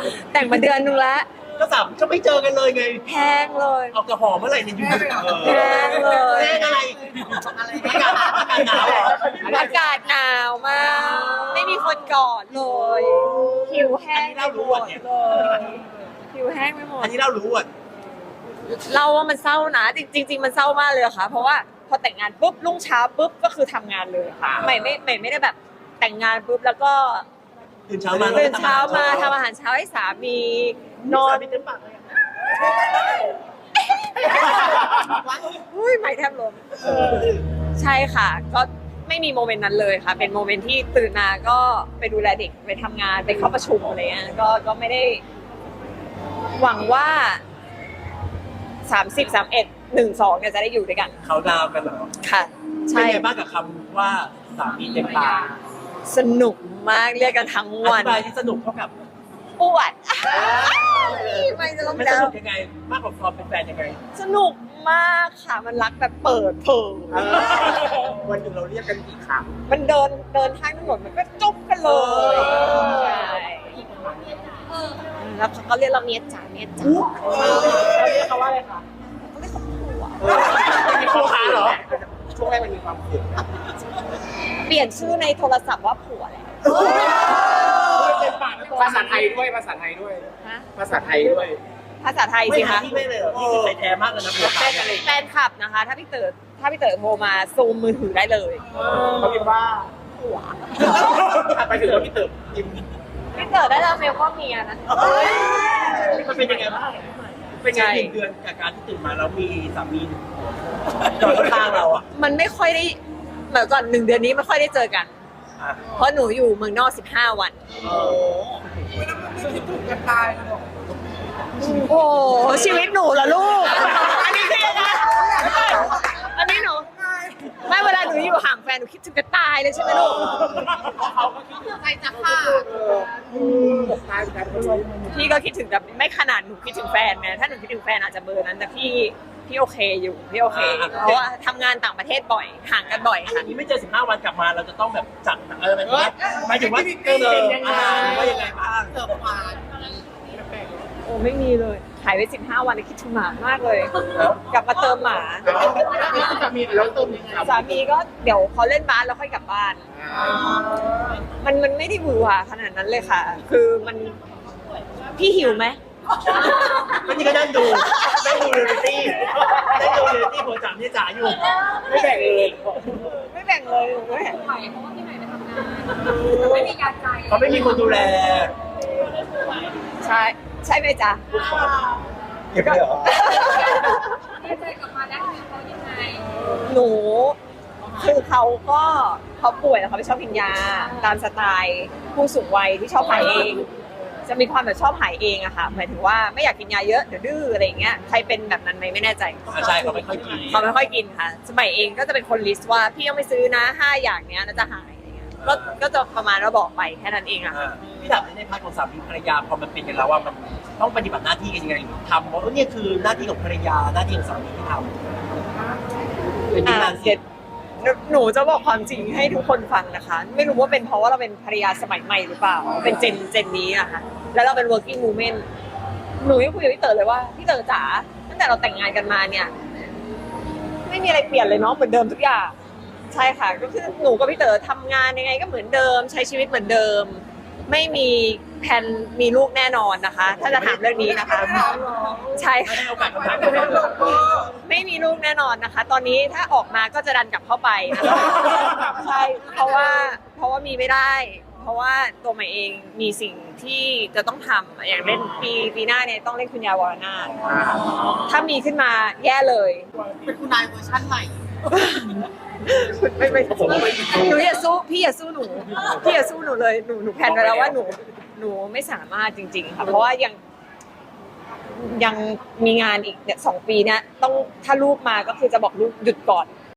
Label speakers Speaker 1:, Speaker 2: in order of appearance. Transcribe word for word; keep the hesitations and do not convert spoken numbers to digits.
Speaker 1: แต่งมาเดือนนึงแล้ว
Speaker 2: ก็สามก็ไม่เจอกันเลยไง
Speaker 1: แห้งเลย
Speaker 2: เอากระหอมเมื่อไหร่เนี่ยอยู่
Speaker 1: แห้งเลย
Speaker 2: แห้งอะไรอะไรอากาศอากาศหนาวเหรอ
Speaker 1: อากาศหนาวมากไม่มีคนกอดเลยผิวแห้งไปหมดเลยผิวแห้งไปหมด
Speaker 2: อันนี้เรารู้อ่ะ
Speaker 1: เราว่ามันเศร้านะจริงจริงมันเศร้ามากเลยค่ะเพราะว่าพอแต่งงานปุ๊บรุ่งเช้าปุ๊บก็คือทำงานเลยค่ะใหม่ไม่ใหม่ไม่ได้แบบแต่งงานปุ๊บแล้วก็
Speaker 2: ตื่นเช้ามา
Speaker 1: ตื่นเช้ามาทำอาหารเช้าให้สามีนอน
Speaker 2: เต็มปากเลย
Speaker 1: อุ้ยใหม่แทบล้มใช่ค่ะก็ไม่มีโมเมนต์นั้นเลยค่ะเป็นโมเมนต์ที่ตื่นมาก็ไปดูแลเด็กไปทำงานไปเข้าประชุมอะไรเงี้ยก็ก็ไม่ได้หวังว่าสามสิบสามเอ็ดหนึ่งสองเนี่ยจะได้อยู่ด้วยกัน
Speaker 2: เขาดาวกันเหรอ
Speaker 1: ค่ะ
Speaker 2: ใช่เป็นไงบ้างกับคำว่าสามีเต็มปาก
Speaker 1: สนุกมากเรียกกันทั้งวัน
Speaker 2: อธิบายที่สนุกเท่ากับ
Speaker 1: ปวดไม่จะลง
Speaker 2: มันสนุกยังไงมากกว่าความเป็นแฟนยังไง
Speaker 1: สนุกมากค่ะมันรักแบบเปิดเผย
Speaker 2: วันหนึ่งเราเรียกกันกี่ครั้ง
Speaker 1: มันเดินเดินทางถนนมันก็จุ๊บกันเลยใช่แล้วเขาก็เรียกเราเมียจ๋าเมียจ๋า
Speaker 2: เขาเรียกเขาว่าอะไรคะ
Speaker 1: เขาเรียกเขาผัว
Speaker 2: มีคู่ค้าเหรอช่วงแรกมันมีความเสี่ยง
Speaker 1: เปลี่ยนชื่อในโทรศัพท์ว่าผัวแหละ
Speaker 3: ภาษาไทยด้วยภาษาไทยด้วยภาษาไทยด้วย
Speaker 1: ภาษาไทยสิคะ
Speaker 2: ไม่เลยนี่คือไทยแท้มากเลยนะผัวแฟนอะไร
Speaker 1: แฟนคลับนะคะถ้าพี่เต๋อถ้าพี่เต๋อโทรมาซูมมือถือได้เลย
Speaker 3: เขาคิดว่า
Speaker 1: ผัว
Speaker 3: ไปถึงพี่เต๋อยิ้ม
Speaker 1: พี่เต๋อได้แล้วเมลว่าเมียนะ
Speaker 2: มันเป็นยังไงบ้างเป็นไงหนึ่งเดือนกับการที่ตื่นมาแล้วมีสามีจอดข้างเราอ่ะ
Speaker 1: มันไม่ค่อยได้เหมือนก่อนหนึ่งเดือนนี้ไม่ค่อยได้เจอกันเพราะหนูอยู่เมืองนอกสิบห้าวัน
Speaker 2: โอ้
Speaker 3: ไม่ต้องคิดถึงกันตายเลย
Speaker 1: โอ้ชีวิตหนูเหรอลูกอันนี้คืออะไรอันนี้หนูไม่เวลาหนูอยู่ห่างแฟนหนูคิดถึงกันตายเลยใช่ไหมลูก
Speaker 3: เขาก็คิดถึงใจจะฆ่า
Speaker 1: พี่ก็คิดถึงแต่ไม่ขนาดหนูคิดถึงแฟนไงถ้าหนูคิดถึงแฟนอาจจะเบอร์นั้นแต่พี่พี่โอเคอยู่พี่โอเคเพราะว่าทำงานต่างประเทศบ่อยห่างกันบ่อยค่ะ
Speaker 2: นี้ไม่เจอสิบห้าวันกลับมาเราจะต้องแบบจัดเออหมายถึงว่าเติมเต็มยังไงว่ายังไงบ้างเติมหวาน
Speaker 1: โอ้ไม่มีเลยหายไปสิบห้าวันคิดถึงหมามากเลยกลับมาเติมหมา
Speaker 3: สามีแล้วเติมยังไง
Speaker 1: สามีก็เดี๋ยวเขาเล่นบาสแล้วค่อยกลับบ้านมันมันไม่ได้หวือหวาขนาดนั้นเลยค่ะคือมันพี่หิวไหม
Speaker 2: มันนี่ก็นั่งดูนั่งดูเรียลลิตี้นั่งดูเรียลลิตี้หัวจ๋าเนี่ยจ๋าอยู่ไม่แบ่งเลย
Speaker 1: ไม่แบ่งเลยไม่แบ่ง
Speaker 4: ไหวเพราะว่าพี่ใหม่ไปทำงานไม่มีการใจ
Speaker 2: เขาไม่มีคนดูแล
Speaker 1: ใช่ใช่ไหมจ๊ะ
Speaker 2: เก็บเลยเหรอ
Speaker 4: ดีใจกลับมาแล้วเขายังไง
Speaker 1: หนูคือเขาก็เขาป่วยแล้วเขาไม่ชอบกินยาตามสไตล์ผู้สูงวัยที่ชอบหายเองจะมีความแบบชอบหายเองอะค่ะหมายถึงว่าไม่อยากกินยาเยอะเดี๋ยวดื้ออะไรอย่างเงี้ยใครเป็นแบบนั้นไหมไม่แน่ใจ
Speaker 2: ใช่เขาไม่ค่อยกิน
Speaker 1: เขาไม่ค่อยกินค่ะสมัยเองก็จะเป็นคนลิสต์ว่าพี่ต้องไปซื้อนะห้าอย่างเนี้ยแล้วจะหายอะไรเงี้ยก็ก็จะประมาณว่าบอกไปแค่นั้นเองอะค่ะ
Speaker 2: พี่ถามในพาร์ทของสามีภรรยาพอมันเป็นกันแล้วว่ามันต้องปฏิบัติหน้าที่กันยังไงทำเพราะเนี่ยคือหน้าที่ของภรรยาหน้าที่ของสามีที่ทำเป็นงานเสร็จ
Speaker 1: หนูจะบอกความจริงให้ทุกคนฟังนะคะไม่รู้ว่าเป็นเพราะว่าเราเป็นภรรยาสมัยใหม่หรือเปล่าเป็นเจนเจนนี้อะค่ะแล้วเราเป็น working woman หนูยังคุยกับพี่เต๋อเลยว่าพี่เต๋อจ๋าตั้งแต่เราแต่งงานกันมาเนี่ยไม่มีอะไรเปลี่ยนเลยเนาะเหมือนเดิมทุกอย่างใช่ค่ะก็คือหนูกับพี่เต๋อทำงานยังไงก็เหมือนเดิมใช้ชีวิตเหมือนเดิมไม่มีแผนมีลูกแน่นอนนะคะถ้าจะถามเรื่องนี้นะคะใช่ค่ะไม่มีลูกแน่นอนนะคะตอนนี้ถ้าออกมาก็จะดันกลับเข้าไปนะคะใช่เพราะว่าเพราะว่ามีไม่ได้เพราะว่าตัวใหม่เองมีสิ่งที่จะต้องทำอย่างเล่นปีปีหน้าเนี่ยต้องเล่นคุณยาวรนาถถ้ามีขึ้นมาแย่เลย
Speaker 3: เป็นคุณนายเวอร์ชั่นใหม่
Speaker 1: ไม่ไม่ผมไม่หนูอย่าสู้พี่อย่าสู้หนูพี่อย่าสู้หนูเลยหนูหนูแพลนไว้แล้วว่าหนูหนูไม่สามารถจริงๆค่ะเพราะว่ายังยังมีงานอีกเนี่ยสองปีเนี่ยต้องถ้าลูกมาก็คือจะบอกลูกหยุดก่อน